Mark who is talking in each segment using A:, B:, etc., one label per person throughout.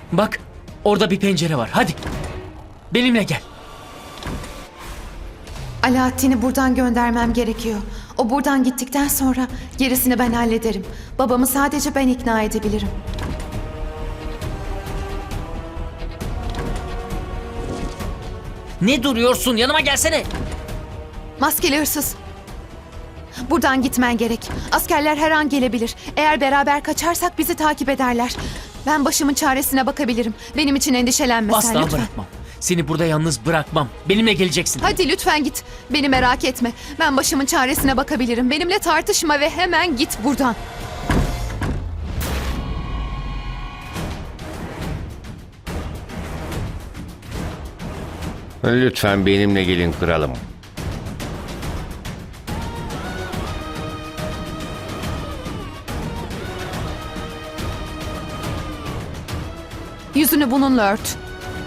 A: Bak, orada bir pencere var. Hadi. Benimle gel.
B: Alaaddin'i buradan göndermem gerekiyor. O buradan gittikten sonra gerisini ben hallederim. Babamı sadece ben ikna edebilirim.
A: Ne duruyorsun? Yanıma gelsene.
B: Maskeli hırsız. Buradan gitmen gerek. Askerler her an gelebilir. Eğer beraber kaçarsak bizi takip ederler. Ben başımın çaresine bakabilirim. Benim için endişelenme sen
A: Asla
B: lütfen.
A: bırakmam. Seni burada yalnız bırakmam. Benimle geleceksin.
B: Hadi lütfen git. Beni merak etme. Ben başımın çaresine bakabilirim. Benimle tartışma ve hemen git buradan.
C: Lütfen benimle gelin kralım.
B: Yüzünü bununla ört.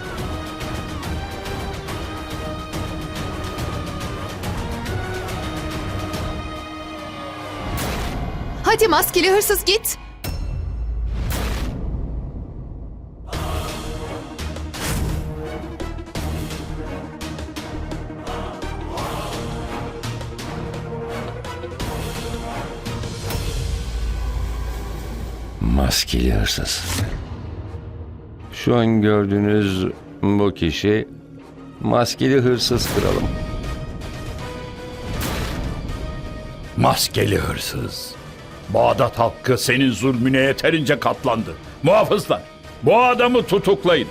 B: Hadi maskeli hırsız git.
C: Maskeli hırsız. Şu an gördüğünüz bu kişi maskeli hırsız kralım.
D: Maskeli hırsız. Bağdat halkı senin zulmüne yeterince katlandı. Muhafızlar, bu adamı tutuklayın.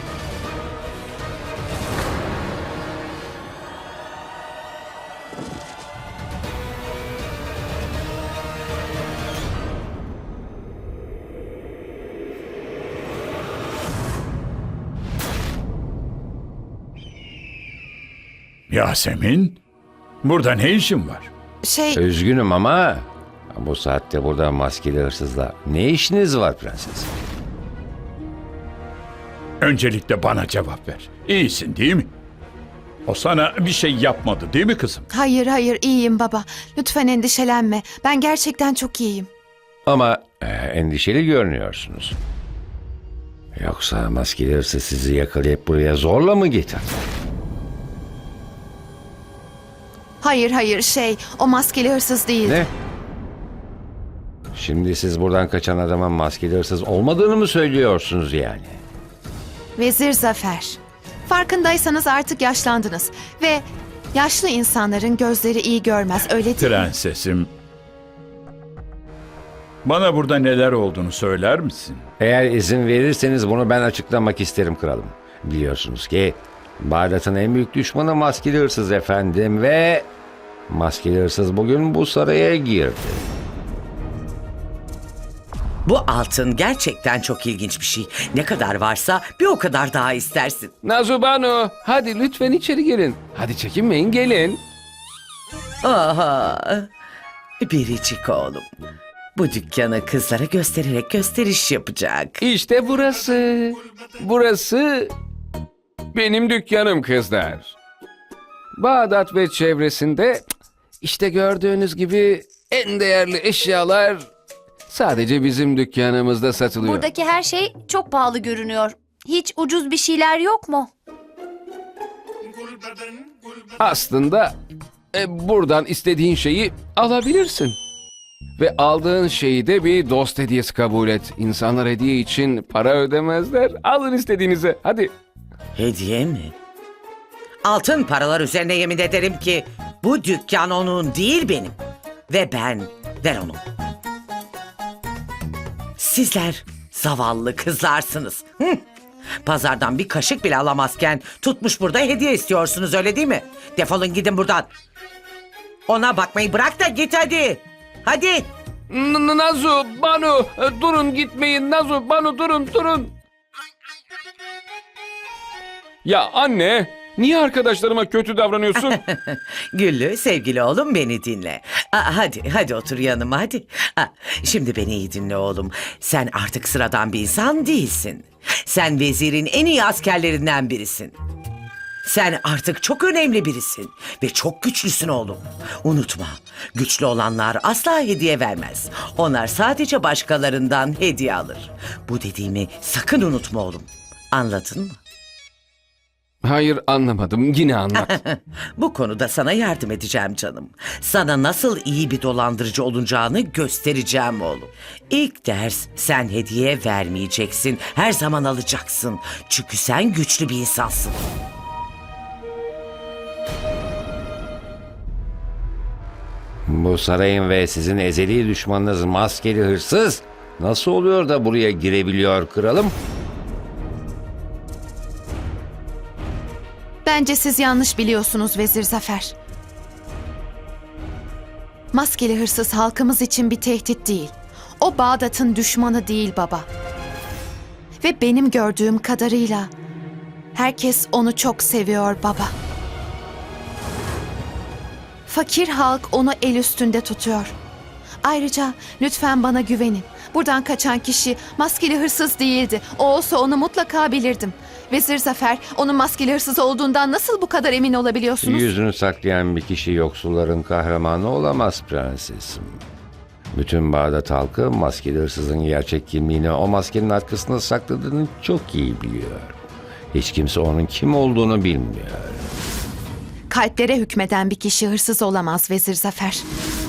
D: Yasemin, burada ne işin var?
C: Üzgünüm ama bu saatte burada maskeli hırsızla ne işiniz var prenses?
D: Öncelikle bana cevap ver. İyisin değil mi? O sana bir şey yapmadı değil mi kızım?
B: Hayır hayır iyiyim baba. Lütfen endişelenme. Ben gerçekten çok iyiyim.
C: Ama endişeli görünüyorsunuz. Yoksa maskeli hırsız sizi yakalayıp buraya zorla mı getirdi?
B: Hayır hayır o maskeli hırsız değil.
C: Ne? Şimdi siz buradan kaçan adamın maskeli hırsız olmadığını mı söylüyorsunuz yani?
B: Vezir Zafer. Farkındaysanız artık yaşlandınız. Ve yaşlı insanların gözleri iyi görmez öyle değil mi?
D: Prensesim, bana burada neler olduğunu söyler misin?
C: Eğer izin verirseniz bunu ben açıklamak isterim kralım. Biliyorsunuz ki Bağdat'ın en büyük düşmanı maskeli hırsız efendim ve maskeli hırsız bugün bu saraya girdi.
E: Bu altın gerçekten çok ilginç bir şey. Ne kadar varsa bir o kadar daha istersin.
F: Nazubano, hadi lütfen içeri gelin. Hadi çekinmeyin, gelin.
E: Aha, biricik oğlum. Bu dükkanı kızlara göstererek gösteriş yapacak.
F: İşte burası. Burası benim dükkanım kızlar. Bağdat ve çevresinde işte gördüğünüz gibi en değerli eşyalar sadece bizim dükkanımızda satılıyor.
G: Buradaki her şey çok pahalı görünüyor. Hiç ucuz bir şeyler yok mu?
F: Aslında buradan istediğin şeyi alabilirsin. Ve aldığın şeyi de bir dost hediyesi kabul et. İnsanlar hediye için para ödemezler. Alın istediğinizi. Hadi.
E: Hediye mi? Altın paralar üzerine yemin ederim ki bu dükkan onun değil benim. Ve ben ver onu. Sizler zavallı kızlarsınız. Hı? Pazardan bir kaşık bile alamazken tutmuş burada hediye istiyorsunuz öyle değil mi? Defolun gidin buradan. Ona bakmayı bırak da git hadi. Hadi.
F: Nazu, Banu, durun gitmeyin. Nazu, Banu durun. Ya anne, niye arkadaşlarıma kötü davranıyorsun?
E: Güllü sevgili oğlum beni dinle. Hadi otur yanıma hadi. Şimdi beni iyi dinle oğlum. Sen artık sıradan bir insan değilsin. Sen vezirin en iyi askerlerinden birisin. Sen artık çok önemli birisin ve çok güçlüsün oğlum. Unutma, güçlü olanlar asla hediye vermez. Onlar sadece başkalarından hediye alır. Bu dediğimi sakın unutma oğlum. Anladın mı?
F: Hayır, anlamadım. Yine anlat.
E: Bu konuda sana yardım edeceğim canım. Sana nasıl iyi bir dolandırıcı olacağını göstereceğim oğlum. İlk ders, sen hediye vermeyeceksin. Her zaman alacaksın. Çünkü sen güçlü bir insansın.
C: Bu sarayın ve sizin ezeli düşmanınız maskeli hırsız nasıl oluyor da buraya girebiliyor kralım?
B: Bence siz yanlış biliyorsunuz Vezir Zafer. Maskeli hırsız halkımız için bir tehdit değil. O Bağdat'ın düşmanı değil baba. Ve benim gördüğüm kadarıyla herkes onu çok seviyor baba. Fakir halk onu el üstünde tutuyor. Ayrıca lütfen bana güvenin. Buradan kaçan kişi maskeli hırsız değildi. O olsa onu mutlaka bilirdim. Vezir Zafer, onun maskeli hırsız olduğundan nasıl bu kadar emin olabiliyorsunuz?
C: Yüzünü saklayan bir kişi yoksulların kahramanı olamaz prensesim. Bütün Bağdat halkı maskeli hırsızın gerçek kimliğini o maskenin arkasında sakladığını çok iyi biliyor. Hiç kimse onun kim olduğunu bilmiyor.
B: Kalplere hükmeden bir kişi hırsız olamaz Vezir Zafer.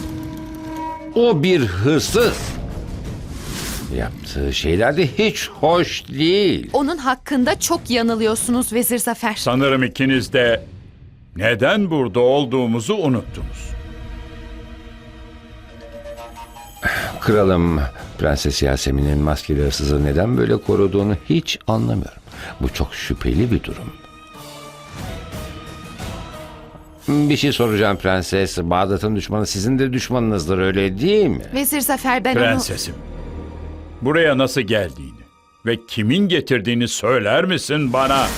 C: O bir hırsız. Yaptığı şeyler de hiç hoş değil.
B: Onun hakkında çok yanılıyorsunuz Vezir Zafer.
D: Sanırım ikiniz de neden burada olduğumuzu unuttunuz.
C: Kralım, Prenses Yasemin'in maskeli hırsızı neden böyle koruduğunu hiç anlamıyorum. Bu çok şüpheli bir durum. Bir şey soracağım prenses. Bağdat'ın düşmanı sizin de düşmanınızdır, öyle değil mi?
B: Vezir Zafer, ben
D: Prensesim, buraya nasıl geldiğini ve kimin getirdiğini söyler misin bana?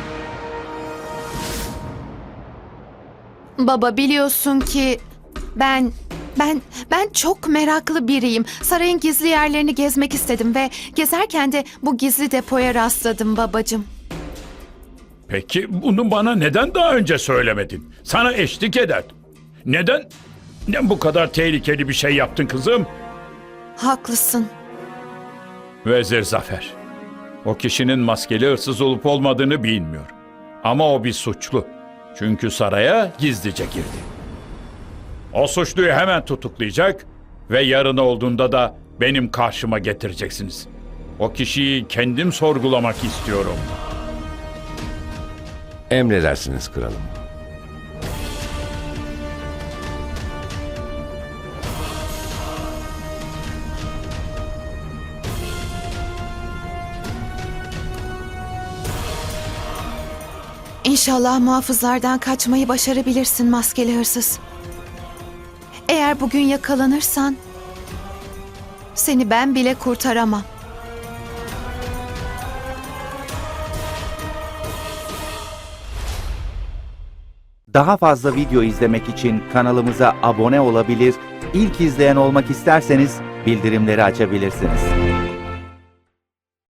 B: Baba, biliyorsun ki ben çok meraklı biriyim. Sarayın gizli yerlerini gezmek istedim ve gezerken de bu gizli depoya rastladım babacığım.
D: Peki bunu bana neden daha önce söylemedin? Sana eşlik ederdim. Neden bu kadar tehlikeli bir şey yaptın kızım?
B: Haklısın.
D: Vezir Zafer, o kişinin maskeli hırsız olup olmadığını bilmiyorum. Ama o bir suçlu. Çünkü saraya gizlice girdi. O suçluyu hemen tutuklayacak ve yarın olduğunda da benim karşıma getireceksiniz. O kişiyi kendim sorgulamak istiyorum.
C: Emredersiniz kralım.
B: İnşallah muhafızlardan kaçmayı başarabilirsin maskeli hırsız. Eğer bugün yakalanırsan seni ben bile kurtaramam.
H: Daha fazla video izlemek için kanalımıza abone olabilir, ilk izleyen olmak isterseniz bildirimleri açabilirsiniz.